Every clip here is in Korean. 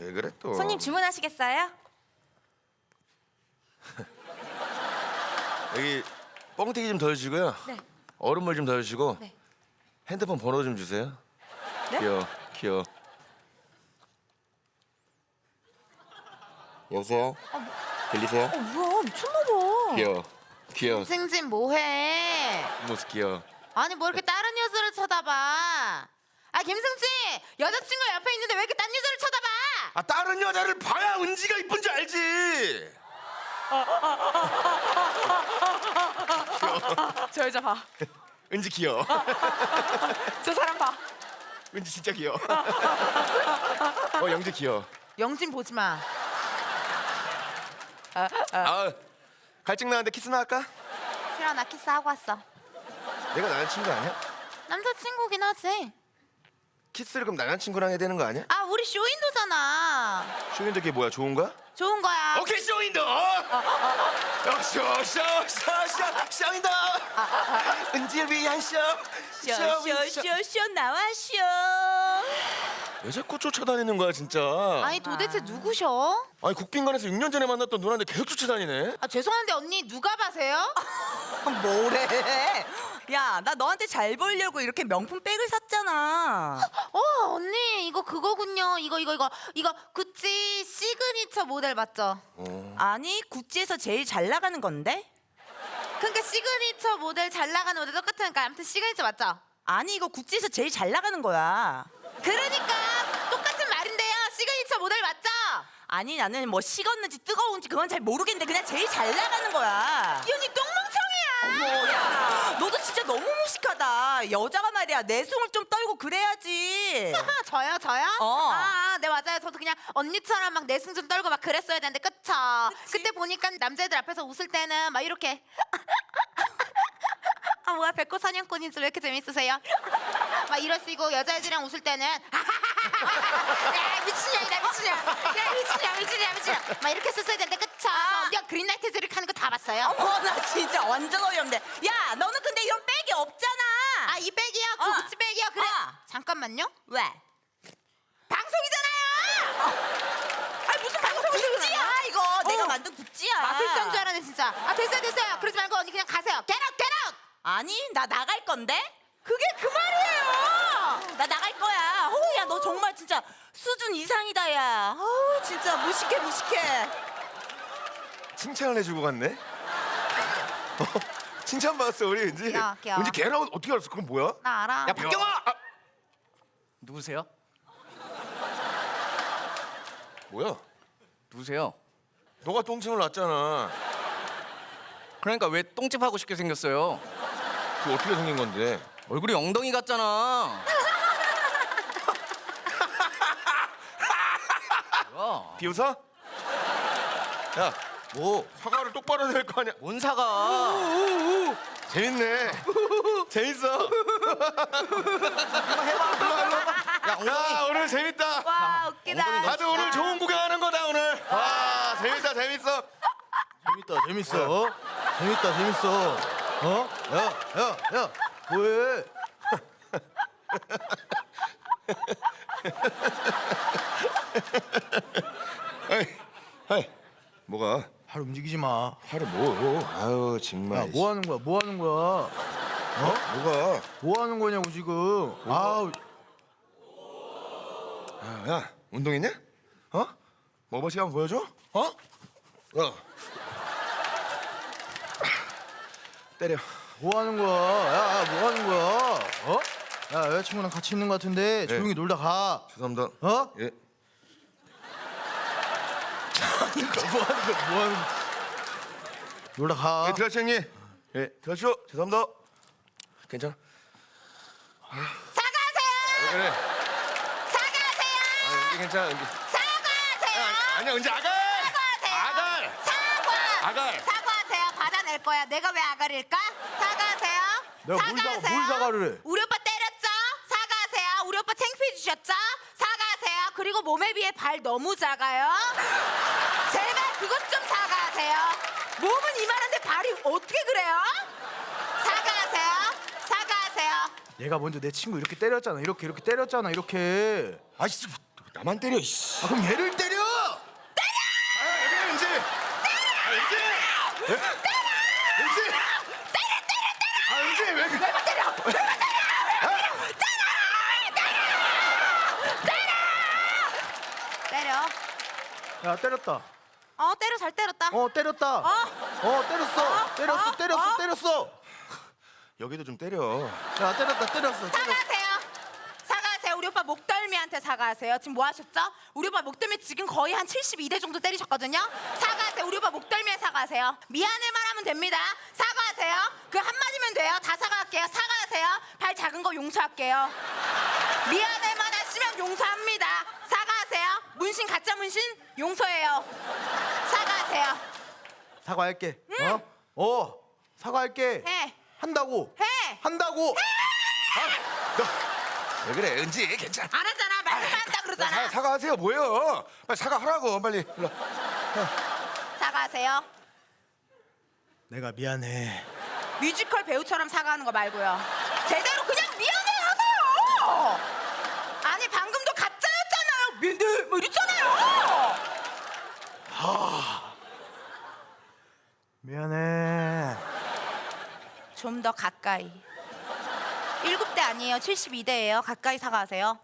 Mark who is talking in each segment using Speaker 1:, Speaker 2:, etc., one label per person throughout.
Speaker 1: 왜 그래 또?
Speaker 2: 손님 주문하시겠어요?
Speaker 1: 여기 뻥튀기 좀 더 주시고요.
Speaker 2: 네.
Speaker 1: 얼음물 좀 더 주시고.
Speaker 2: 네.
Speaker 1: 핸드폰 번호 좀 주세요.
Speaker 2: 네?
Speaker 1: 귀여워. 여보세요? 들리세요?
Speaker 2: 뭐야 미쳤나봐.
Speaker 1: 귀여워.
Speaker 3: 승진 뭐해?
Speaker 1: 모습 귀여워.
Speaker 3: 아니 뭐 이렇게 다른 여자를 쳐다봐? 아 김승진 여자친구 옆에 있는데 왜 이렇게 딴 여자를 쳐다봐?
Speaker 1: 아 다른 여자를 봐야 은지가 이쁜 줄 알지.
Speaker 2: 저 여자 봐.
Speaker 1: 은지 귀여워.
Speaker 2: 저 사람 봐.
Speaker 1: 은지 진짜 귀여워. 영지 귀여워.
Speaker 3: 영진 보지 마.
Speaker 1: 아 갈증 나는데 키스나 할까?
Speaker 3: 싫어 나 키스하고 왔어.
Speaker 1: 내가 남자친구 아니야?
Speaker 3: 남자친구긴 하지.
Speaker 1: 키스를 그럼 남자친구랑 해야 되는 거 아니야?
Speaker 3: 아 우리 쇼윈도잖아.
Speaker 1: 쇼윈도 그게 뭐야? 좋은 거야?
Speaker 3: 좋은 거야.
Speaker 1: 오케이 쇼윈도. 쇼윈도. 은지를 위한 쇼.
Speaker 2: 쇼 나와 쇼.
Speaker 1: 왜 자꾸 쫓아다니는 거야 진짜?
Speaker 3: 아니 도대체 누구셔?
Speaker 1: 아니 국빈관에서 6년 전에 만났던 누나인데 계속 쫓아다니네.
Speaker 3: 아 죄송한데 언니 누가 봐세요?
Speaker 2: 뭐래? 야, 나 너한테 잘 보이려고 이렇게 명품 백을 샀잖아.
Speaker 3: 언니 이거 그거군요. 이거 구찌 시그니처 모델 맞죠?
Speaker 2: 아니, 구찌에서 제일 잘 나가는 건데?
Speaker 3: 그러니까 시그니처 모델 잘 나가는 모델 똑같으니까 아무튼 시그니처 맞죠?
Speaker 2: 아니, 이거 구찌에서 제일 잘 나가는 거야.
Speaker 3: 그러니까 똑같은 말인데요. 시그니처 모델 맞죠?
Speaker 2: 아니, 나는 뭐 식었는지 뜨거운지 그건 잘 모르겠는데 그냥 제일 잘 나가는 거야.
Speaker 3: 이 언니 똥멍청이야.
Speaker 2: 뭐야? 너도 진짜 너무 무식하다. 여자가 말이야, 내숭을 좀 떨고 그래야지.
Speaker 3: 저요? 네 맞아요. 저도 그냥 언니처럼 막 내숭 좀 떨고 막 그랬어야 되는데 그쵸? 그때 보니까 남자애들 앞에서 웃을 때는 막 이렇게 아 뭐야 백호 사냥꾼인 줄 왜 이렇게 재밌으세요? 막 이러시고 여자애들이랑 웃을 때는 야 미친년이다 미친년 야 미친년 막 이렇게 썼어야 되는데 그쵸? 저 언니가 그린라이트 드릭 하는 거 다 봤어요.
Speaker 2: 어머, 나 진짜 완전 어이없네. 야, 너는 근데 이런 백이 없잖아.
Speaker 3: 아 이 백이요? 그 구찌 백이요? 그래 잠깐만요.
Speaker 2: 왜?
Speaker 3: 방송이잖아요.
Speaker 2: 아니, 무슨 구찌야 이거. 내가 만든 구찌야.
Speaker 3: 마술사인 줄 알았네 진짜. 아 됐어요. 그러지 말고 언니 그냥 가세요. Get out.
Speaker 2: 아니, 나 나갈 건데?
Speaker 3: 그게 그 말이에요.
Speaker 2: 나 나갈 거야. 어우, 야, 너 정말 진짜 수준 이상이다, 야. 어우, 진짜 무식해.
Speaker 1: 칭찬을 해주고 갔네. 칭찬 받았어 우리 은지.
Speaker 3: 귀여워.
Speaker 1: 은지 걔라고 어떻게 알았어? 그건 뭐야?
Speaker 3: 나 알아.
Speaker 1: 야 박경아.
Speaker 4: 누구세요?
Speaker 1: 뭐야?
Speaker 4: 누구세요?
Speaker 1: 너가 똥침을 놨잖아.
Speaker 4: 그러니까 왜 똥집 하고 싶게 생겼어요?
Speaker 1: 그게 어떻게 생긴 건데?
Speaker 4: 얼굴이 엉덩이 같잖아. 뭐야?
Speaker 1: 비웃어? 야,
Speaker 4: 뭐?
Speaker 1: 사과를 똑바로 해야 될 거 아니야.
Speaker 4: 뭔 사과?
Speaker 1: 재밌네. 재밌어.
Speaker 4: 야, 엉덩이.
Speaker 1: 야, 오늘 재밌다.
Speaker 3: 와 웃기다.
Speaker 1: 다들 오늘 좋은 구경하는 거다 오늘. 와, 재밌다.
Speaker 5: 재밌어. 야, 뭐해?
Speaker 1: 아이, 뭐가?
Speaker 5: 팔 움직이지 마.
Speaker 1: 하루 뭐? 아유 정말.
Speaker 5: 야, 뭐 하는 거야?
Speaker 1: 뭐가?
Speaker 5: 뭐 하는 거냐고 지금. 아우,
Speaker 1: 야, 운동했냐? 머버시 한번 보여줘? 야, 때려.
Speaker 5: 뭐 하는 거야? 야, 뭐 하는 거야? 야, 여자친구랑 같이 있는 거 같은데 조용히 놀다 가.
Speaker 1: 죄송합니다. 예.
Speaker 5: 뭐 하는 거? 놀다 가.
Speaker 1: 예, 들어가시오 형님. 예, 들어가시오. 죄송합니다. 괜찮아.
Speaker 3: 사과하세요.
Speaker 1: 왜 그래?
Speaker 3: 사과하세요.
Speaker 1: 은지 괜찮아. 은지.
Speaker 3: 사과하세요.
Speaker 1: 아니야, 은지 아갈.
Speaker 3: 사과하세요.
Speaker 1: 아갈.
Speaker 3: 사과하세요. 받아낼 거야. 내가 왜 아가릴까? 사과하세요.
Speaker 5: 내가 뭘 사과를 해?
Speaker 3: 우리 오빠 때렸죠? 사과하세요. 우리 오빠 창피해 주셨죠? 사과하세요. 그리고 몸에 비해 발 너무 작아요. 제발 그것 좀 사과하세요. 몸은 이만한데 발이 어떻게 그래요? 사과하세요.
Speaker 5: 얘가 먼저 내 친구 이렇게 때렸잖아. 이렇게 때렸잖아. 이렇게.
Speaker 1: 아이씨, 나만 때려. 이씨.
Speaker 5: 아, 그럼 얘를 때려.
Speaker 1: 아, 왜 그래, 은지? 아, 은지! 예? 은지! 아, 은지, 왜 그래?
Speaker 3: 때려.
Speaker 5: 야, 때렸다.
Speaker 3: 때려 잘 때렸다.
Speaker 5: 때렸다. 때렸어.
Speaker 1: 여기도 좀 때려.
Speaker 5: 야, 때렸어.
Speaker 3: 사과하세요. 우리 오빠 목덜미한테 사과하세요. 지금 뭐 하셨죠? 우리 오빠 목덜미 지금 거의 한 72대 정도 때리셨거든요. 사과하세요. 우리 오빠 목덜미에 사과하세요. 미안해만 하면 됩니다. 사과하세요. 그 한마디면 돼요. 다 사과할게요. 사과하세요. 발 작은 거 용서할게요. 미안해만 하시면 용서합니다. 사과하세요. 문신 가짜 문신 용서해요. 사과하세요.
Speaker 5: 사과할게. 사과할게.
Speaker 3: 해.
Speaker 5: 한다고.
Speaker 3: 해.
Speaker 5: 한다고.
Speaker 1: 왜 그래, 은지? 괜찮아.
Speaker 3: 안 하잖아. 말만 한다 그러잖아.
Speaker 1: 사과하세요. 뭐예요? 빨리 사과하라고. 빨리. 일로.
Speaker 3: 사과하세요.
Speaker 5: 내가 미안해.
Speaker 3: 뮤지컬 배우처럼 사과하는 거 말고요. 제대로 그냥 미안해 하세요. 아니 방금도 가짜였잖아요. 미안해 뭐 이랬잖아요.
Speaker 5: 미안해.
Speaker 3: 좀 더 가까이. 7대 아니에요. 72대예요. 가까이 사과하세요.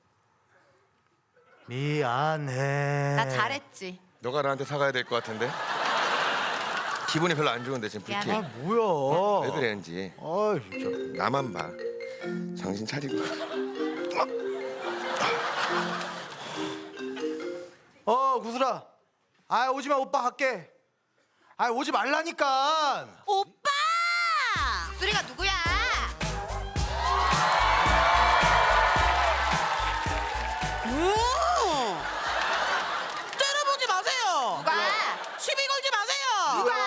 Speaker 5: 미안해.
Speaker 3: 나 잘했지.
Speaker 1: 너가 나한테 사과해야 될 것 같은데. 기분이 별로 안 좋은데 지금
Speaker 3: 미안해.
Speaker 1: 불쾌해.
Speaker 5: 뭐야?
Speaker 1: 왜 그래, 은지?
Speaker 5: 아이, 진짜.
Speaker 1: 나만 봐. 정신 차리고.
Speaker 5: 구슬아. 오지 마. 오빠 갈게. 오지 말라니까.
Speaker 3: 오빠! 수리가 누구야?
Speaker 6: 때려보지 마세요.
Speaker 3: 누가?
Speaker 6: 시비 걸지 마세요.
Speaker 3: 누가?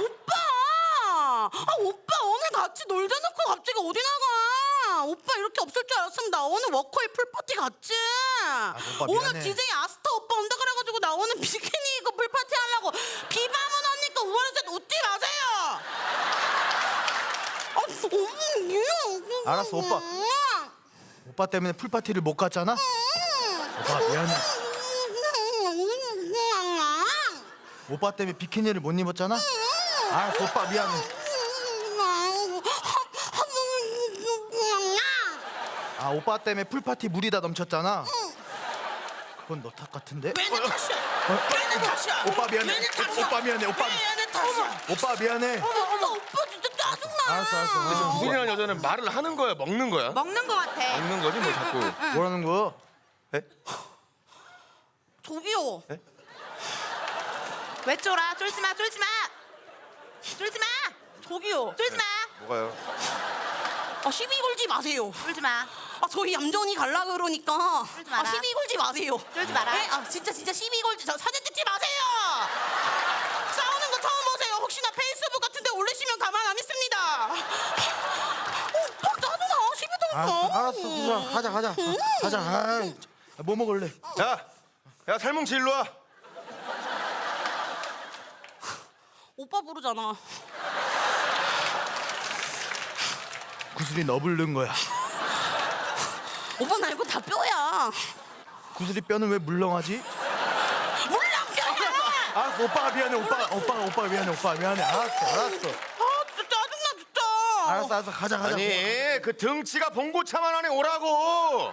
Speaker 6: 오빠! 오빠 오늘 같이 놀자 놓고 갑자기 어디 나가? 오빠 이렇게 없을 줄 알았으면 나 오늘 워커힐 풀파티 갔지.
Speaker 5: 오빠
Speaker 6: 오늘
Speaker 5: 미안해.
Speaker 6: DJ 아스타 오빠 온다 그래가지고 나 오늘 비키니 입고 풀파티 하려고 비바문 언니께 우월에서 웃지 마세요.
Speaker 5: 알았어, 오빠. 오빠 때문에 풀파티를 못 갔잖아. 오빠 미안해. 오빠 때문에 비키니를 못 입었잖아. 알았어, 오빠 미안해. 오빠 때문에 풀파티 물이 다 넘쳤잖아. 그건 너 탓 같은데?
Speaker 6: 왜내 탓이야? 왜내 탓이야?
Speaker 5: 오빠 미안해.
Speaker 6: 왜내 탓이야?
Speaker 5: 오빠 미안해. 오빠.
Speaker 6: 왜내 탓이야?
Speaker 5: 오빠 미안해.
Speaker 6: 오빠 진짜 짜증나.
Speaker 5: 알았어.
Speaker 1: 구슬이라는 여자는 말을 하는 거야, 먹는 거야?
Speaker 3: 먹는 거 같아.
Speaker 1: 먹는 거지 뭐 자꾸.
Speaker 5: 뭐라는 거야?
Speaker 6: 저기요.
Speaker 3: 왜 쫄아? 쫄지 마. 쫄지 마. 쫄지 마.
Speaker 6: 저기요.
Speaker 3: 쫄지 마.
Speaker 1: 뭐가요?
Speaker 6: 시비 걸지 마세요.
Speaker 3: 쫄지 마.
Speaker 6: 저희 얌전히 갈라 그러니까
Speaker 3: 그러지 마라.
Speaker 6: 시비 걸지 마세요.
Speaker 3: 그러지 마라.
Speaker 6: 네? 진짜 시비 걸지. 사진 찍지 마세요. 싸우는 거 처음 보세요. 혹시나 페이스북 같은데 올리시면 가만 안 있습니다. 오빠 짜증나. 시비 걸지 마.
Speaker 5: 알았어. 구슬아, 가자. 뭐 먹을래?
Speaker 1: 야, 살뭉치 일로 와.
Speaker 6: 오빠 부르잖아.
Speaker 5: 구슬이 너 부른 거야.
Speaker 6: 오빠 나 이거 다 뼈야.
Speaker 5: 구슬이 뼈는 왜 물렁하지?
Speaker 6: 물랑 뼈야.
Speaker 5: 알았어, 오빠가 미안해. 오빠가 미안해. 알았어.
Speaker 6: 진짜 짜증나 진짜.
Speaker 5: 알았어. 가자.
Speaker 1: 아니, 그 등치가 봉고차만 안에 오라고.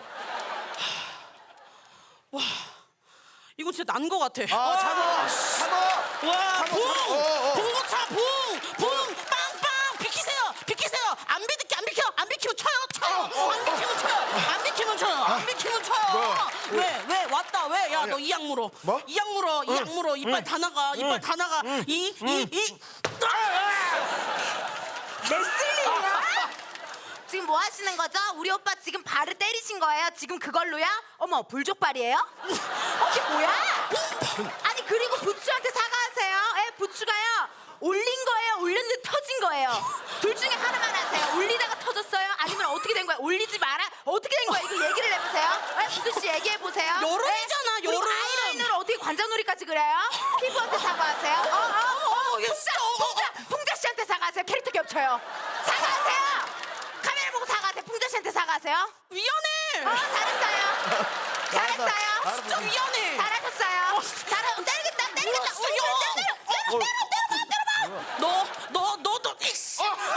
Speaker 6: 이거 진짜 난 거 같아.
Speaker 5: 참아.
Speaker 6: 와, 붕!
Speaker 5: 어.
Speaker 6: 봉고차 붕! 빵빵! 비키세요! 안 비키면 쳐요! 안 비키면 쳐요! 왜? 왔다, 왜? 야, 너 이악 물어.
Speaker 1: 뭐?
Speaker 6: 이악 물어. 이빨 다 나가.
Speaker 3: 레슬링이야? 지금 뭐 하시는 거죠? 우리 오빠 지금 발을 때리신 거예요? 지금 그걸로요? 어머, 불족발이에요? 이게 뭐야? 아니, 그리고 부추한테 사과하세요. 부추가요. 올린 거예요? 올렸는데 터진 거예요? 둘 중에 하나만 하세요. 올리다가 터졌어요? 아니면 어떻게 된 거예요? 올리지 마라? 어떻게 된 거예요? 이거 얘기를 해보세요. 부추 씨 얘기해보세요.
Speaker 6: 여름이잖아,
Speaker 3: 그리고
Speaker 6: 여름.
Speaker 3: 아이라이너를 어떻게 관자놀이까지 그려요? 피부한테 사과하세요. 풍자 씨한테 사과하세요. 캐릭터 겹쳐요. 사과하세요. 카메라 보고 사과하세요. 풍자 씨한테 사과하세요.
Speaker 6: 미안해.
Speaker 3: 잘했어요.
Speaker 6: 진짜 미안해.
Speaker 3: 잘하셨어요. 때리겠다.
Speaker 6: 진짜 너 이씨.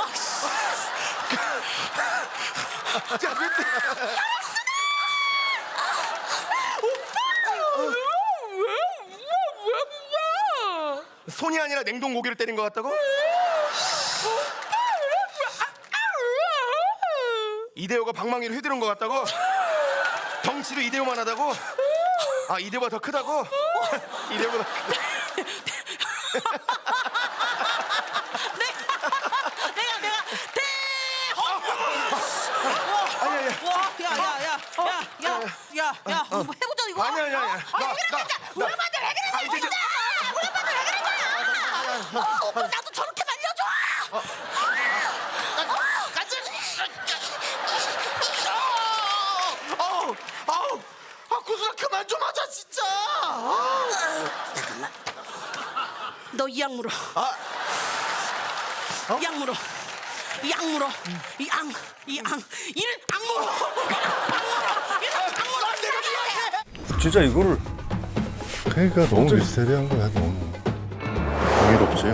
Speaker 1: 자, 왜 때? 손이 아니라 냉동고기를 때린 것 같다고? 이대호가 방망이를 휘두른 것 같다고? 덩치도 이대호만 하다고? 아, 이대호가 더 크다고? 이대호보다
Speaker 6: 내가 야, 한번 해보자 이거.
Speaker 1: 아니야.
Speaker 3: 우리 오빠한테 왜 그러냐?
Speaker 1: 이제
Speaker 3: 우리 오빠한테 왜 그러냐?
Speaker 6: 오빠 나도 저렇게 말려줘.
Speaker 5: 구슬아 그만 좀 하자 진짜.
Speaker 6: 너 이 약 물어. 이 약 물어. 이악 물어. 이악 물어.
Speaker 7: 진짜 이거를 그러니까 너무 미스테리한 거야 너무 경이롭지.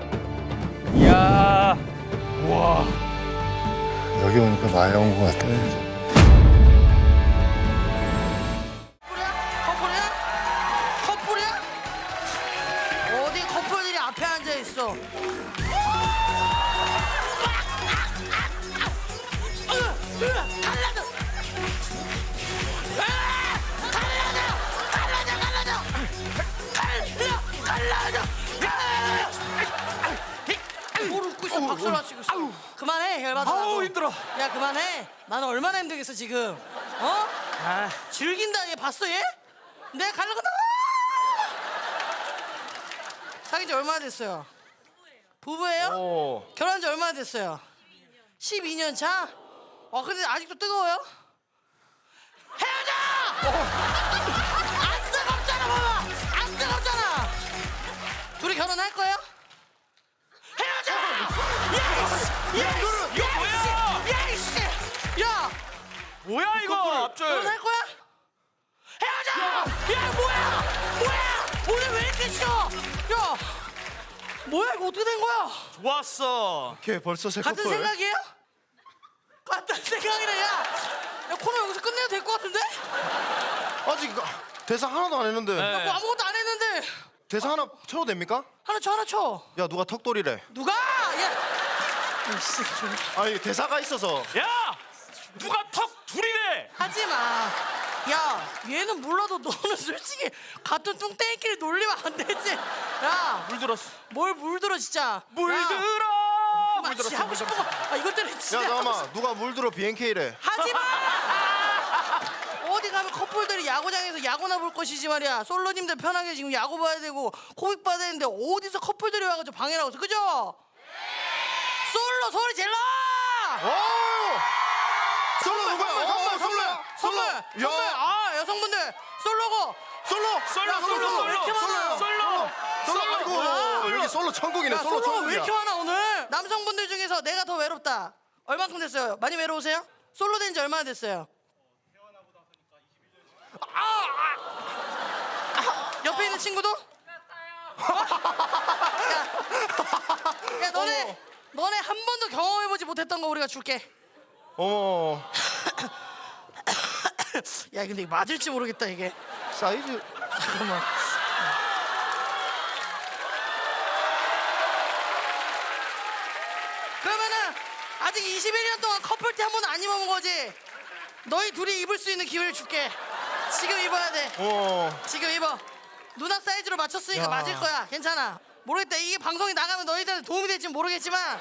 Speaker 4: 이야. 와.
Speaker 7: 여기 오니까 나의 온 것 같아.
Speaker 6: 커플이야? 어디 커플들이 앞에 앉아 있어? 뭘 웃고 있어? 박수를 치고 있어. 그만해 열받아.
Speaker 5: 아우 힘들어.
Speaker 6: 야 그만해. 나는 얼마나 힘들겠어 지금. 어? 즐긴다 얘 봤어 얘? 내가 가려고 사귄 지 얼마나 됐어요? 부부예요? 결혼한 지 얼마나 됐어요? 12년 차? 근데 아직도 뜨거워요? 헤어져! 안 뜨겁잖아 봐봐! 안 뜨겁잖아! 둘이 결혼할 거예요? 헤어져!
Speaker 4: 이거 뭐야?
Speaker 6: 야 이씨! 야!
Speaker 4: 뭐야 이거? 앞절.
Speaker 6: 결혼할 거야? 헤어져! 야 뭐야! 오늘 왜 이렇게 싫어? 야! 뭐야 이거 어떻게 된 거야?
Speaker 4: 좋았어.
Speaker 5: 걔 벌써 새
Speaker 6: 같은
Speaker 5: 커플.
Speaker 6: 생각이에요? 같은 생각이래 야 코너 여기서 끝내도 될 것 같은데?
Speaker 5: 아직 대사 하나도 안 했는데.
Speaker 4: 네.
Speaker 6: 뭐 아무것도 안 했는데
Speaker 5: 대사 하나 쳐도 됩니까?
Speaker 6: 하나 쳐
Speaker 5: 야 누가 턱돌이래.
Speaker 6: 누가? 야 이씨
Speaker 5: 아니 대사가 있어서.
Speaker 4: 야, 누가 턱 둘이래?
Speaker 6: 하지마 야 얘는 몰라도 너는 솔직히 같은 뚱땡이끼리 놀리면 안 되지 야
Speaker 4: 물들었어.
Speaker 6: 뭘 물들어 진짜
Speaker 4: 물들어.
Speaker 6: 물들었어 하고 싶은 거 이것 때문에
Speaker 5: 야
Speaker 6: 진짜 하고 싶-
Speaker 5: 잠깐만 누가 물들어 BNK래.
Speaker 6: 하지마 어디 가면 커플들이 야구장에서 야구나 볼 것이지 말이야 솔로님들 편하게 지금 야구 봐야 되고 코빅 봐야 되는데 어디서 커플들이 와가지고 방해를 하고 있어 그죠? 솔로 소리 질러
Speaker 5: 솔로 누구야? 솔로야.
Speaker 6: 선물
Speaker 5: 야.
Speaker 6: 아 여성분들 솔로고
Speaker 5: 솔로.
Speaker 6: 솔로 왜 이렇게 많아
Speaker 5: 솔로 아니고
Speaker 6: 뭐야?
Speaker 5: 여기 솔로 천국이네.
Speaker 6: 야,
Speaker 5: 솔로
Speaker 6: 솔로가 왜
Speaker 5: 천국이야.
Speaker 6: 이렇게 많아 오늘 남성분들 중에서 내가 더 외롭다 얼만큼 됐어요? 많이 외로우세요? 솔로 된 지 얼마나 됐어요? 옆에 있는 친구도? 야 너네 한 번도 경험해보지 못했던 거 우리가 줄게
Speaker 5: 어머
Speaker 6: 야 근데 이거 맞을지 모르겠다 이게
Speaker 5: 사이즈.
Speaker 6: 잠깐만 그러면은 아직 21년 동안 커플티 한 번도 안 입어본 거지? 너희 둘이 입을 수 있는 기회를 줄게 지금 입어야 돼 지금 입어 누나 사이즈로 맞췄으니까
Speaker 5: 야.
Speaker 6: 맞을 거야 괜찮아 모르겠다 이게 방송이 나가면 너희들한테 도움이 될지 모르겠지만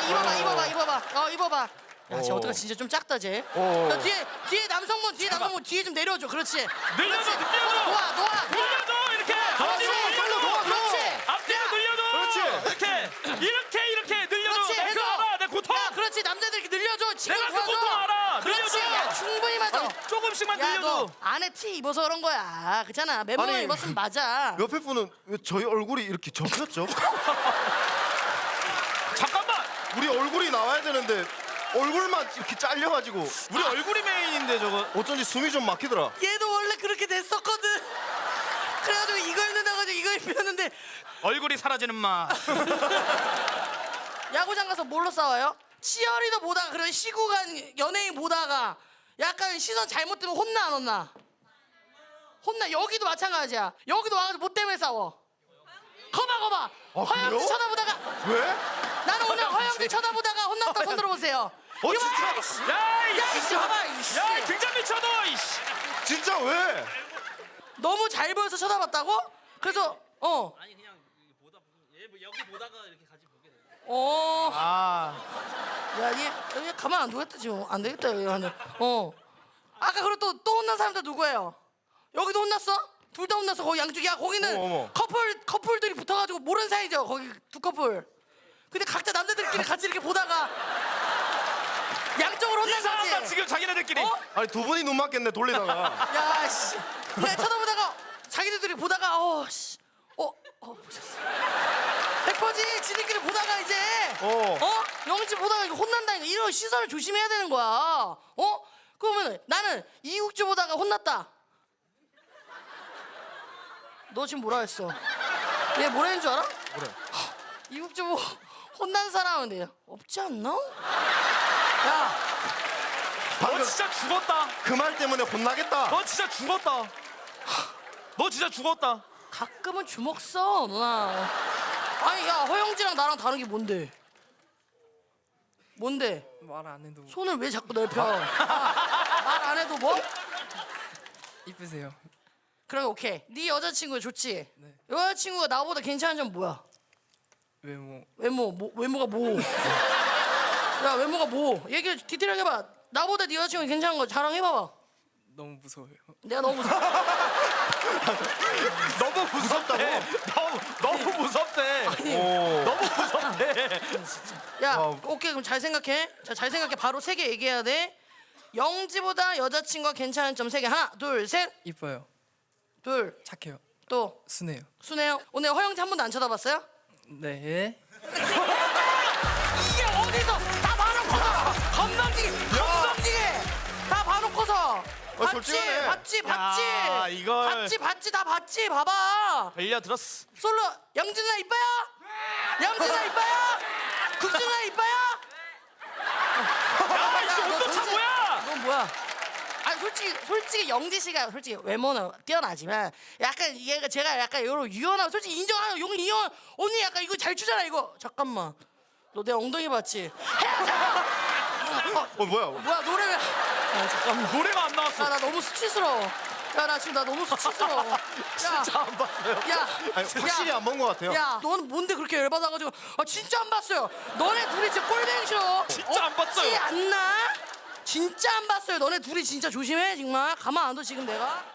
Speaker 6: 입어봐 야, 쟤 어떡하 진짜 좀 작다 쟤. 야, 뒤에 남성분 뒤에 좀 내려줘. 그렇지.
Speaker 4: 늘려줘. 늘려줘 이렇게.
Speaker 6: 그렇지.
Speaker 4: 앞뒤로 늘려줘. 이렇게 늘려줘.
Speaker 6: 그렇지.
Speaker 4: 내가 그거 알아. 내 고통.
Speaker 6: 야, 그렇지. 남자들 이렇게 늘려줘. 지금
Speaker 4: 내가 그
Speaker 6: 도와줘.
Speaker 4: 고통 알아.
Speaker 6: 그렇지.
Speaker 4: 늘려줘.
Speaker 6: 야, 충분히 맞아.
Speaker 4: 조금씩만
Speaker 6: 야,
Speaker 4: 늘려줘.
Speaker 6: 너 안에 티 입어서 그런 거야. 그렇잖아. 맨몸에
Speaker 5: 아니,
Speaker 6: 입었으면 맞아.
Speaker 5: 옆에 분은 왜 저희 얼굴이 이렇게 접혔죠?
Speaker 4: 잠깐만.
Speaker 5: 우리 얼굴이 나와야 되는데 얼굴만 이렇게 잘려가지고
Speaker 4: 우리 얼굴이 메인인데 저거.
Speaker 5: 어쩐지 숨이 좀 막히더라.
Speaker 6: 얘도 원래 그렇게 됐었거든. 그래가지고 이거 입는다고 해서 이거 입혔는데
Speaker 1: 얼굴이 사라지는 맛.
Speaker 6: 야구장 가서 뭘로 싸워요? 치어리더 보다가 그런 시구간 연예인 보다가 약간 시선 잘못되면 혼나 안 혼나? 혼나. 여기도 마찬가지야. 여기도 와가지고 뭐 때문에 싸워? 거봐 허영지
Speaker 1: 그래요?
Speaker 6: 쳐다보다가
Speaker 1: 왜?
Speaker 6: 나는 오늘 허영지 쳐다보다가 혼났다 손 들어보세요. 이거 봐, 이씨. 야 이씨 봐봐 이씨.
Speaker 1: 야 등잔 미쳐 너. 이씨. 진짜 왜?
Speaker 6: 너무 잘 보여서 쳐다봤다고? 그래서
Speaker 4: 아니 그냥 보다 여기 보다가 이렇게 같이 보게 돼.
Speaker 6: 야얘 가만 안 두겠다 지금. 안 되겠다 얘는. 아까 그리고 또 혼난 사람들 누구예요? 여기도 혼났어? 둘 다 혼났어. 거기 양쪽. 야 거기는
Speaker 1: 어머.
Speaker 6: 커플들이 붙어가지고 모르는 사이죠. 거기 두 커플. 근데 각자 남자들끼리 같이 이렇게 보다가 양쪽으로 혼난
Speaker 1: 이상하다
Speaker 6: 거지.
Speaker 1: 지금 자기네들끼리.
Speaker 6: 어?
Speaker 5: 아니 두 분이 눈 맞겠네 돌리다가.
Speaker 6: 야 씨. 그냥 쳐다보다가 자기들끼리 보다가 보셨어. 백퍼지 지들끼리 보다가 이제 영지 보다가 이거 혼난다니까. 이런 시선을 조심해야 되는 거야. 그러면 나는 이국주 보다가 혼났다. 너 지금 뭐라 했어? 얘 뭐라 했는 줄 알아?
Speaker 5: 뭐래?
Speaker 6: 이국주 보고 혼난 사람은 없지 않나? 야
Speaker 1: 너 진짜 죽었다.
Speaker 5: 그 말 때문에 혼나겠다.
Speaker 1: 너 진짜 죽었다. 너 진짜 죽었다.
Speaker 6: 가끔은 주먹 써 누나. 아니 야 허영지랑 나랑 다른 게 뭔데? 뭔데?
Speaker 4: 말 안 해도
Speaker 6: 손을 왜 자꾸 넓혀? 말 안 해도 뭐?
Speaker 4: 이쁘세요.
Speaker 6: 그럼 오케이. 네 여자친구 좋지?
Speaker 4: 네.
Speaker 6: 여자친구가 나보다 괜찮은 점 뭐야? 외모가 뭐? 야 외모가 뭐? 얘기 디테일하게 해봐. 나보다 네 여자친구 괜찮은 거 자랑해봐봐.
Speaker 4: 너무 무서워요.
Speaker 6: 내가 너무 무서워.
Speaker 1: 너무 무섭다고. 너무 무섭대. 너무 무섭대.
Speaker 6: 야 오케이 그럼 잘 생각해. 자 잘 생각해. 바로 3개 얘기해야 돼. 영지보다 여자친구가 괜찮은 점 3개. 하나 둘 셋.
Speaker 4: 이뻐요.
Speaker 6: 둘
Speaker 4: 착해요.
Speaker 6: 또
Speaker 4: 순해요.
Speaker 6: 순해요. 오늘 허영지 한 번도 안 쳐다봤어요?
Speaker 4: 네.
Speaker 6: 이게 어디서 다 봐놓고서 건방지게 다 봐놓고서
Speaker 5: 솔직하네.
Speaker 6: 봤지
Speaker 1: 야, 이걸.
Speaker 6: 봤지 다 봤지. 봐봐.
Speaker 1: 들려 들었어.
Speaker 6: 솔로 영준아 이뻐요? 영준아 이뻐요? 국준아 이뻐요?
Speaker 1: 야 이씨
Speaker 6: 너
Speaker 1: 온도차
Speaker 6: 도대체-
Speaker 1: 뭐야?
Speaker 6: 넌 뭐야? 아니 솔직히 영지 씨가 솔직히 외모는 뛰어나지만 약간 얘가 제가 약간 요런 유연하고 솔직히 인정하는 용 이현 언니 약간 이거 잘 추잖아 이거. 잠깐만 너 내 엉덩이 봤지?
Speaker 5: 뭐야?
Speaker 6: 뭐야 노래 왜? 잠깐만.
Speaker 1: 노래가 안 나왔어.
Speaker 6: 나 너무 수치스러워. 야 나 지금 나 너무 수치스러워. 야,
Speaker 1: 진짜 안 봤어요.
Speaker 6: 야,
Speaker 5: 아니, 확실히 안 본 것 같아요.
Speaker 6: 야, 너는 뭔데 그렇게 열받아가지고? 진짜 안 봤어요. 너네 둘이 진짜 꼴뱅이 싫어.
Speaker 1: 진짜 안 봤어요.
Speaker 6: 없지 않나? 진짜 안 봤어요. 너네 둘이 진짜 조심해 정말. 가만 안 둬 지금 내가.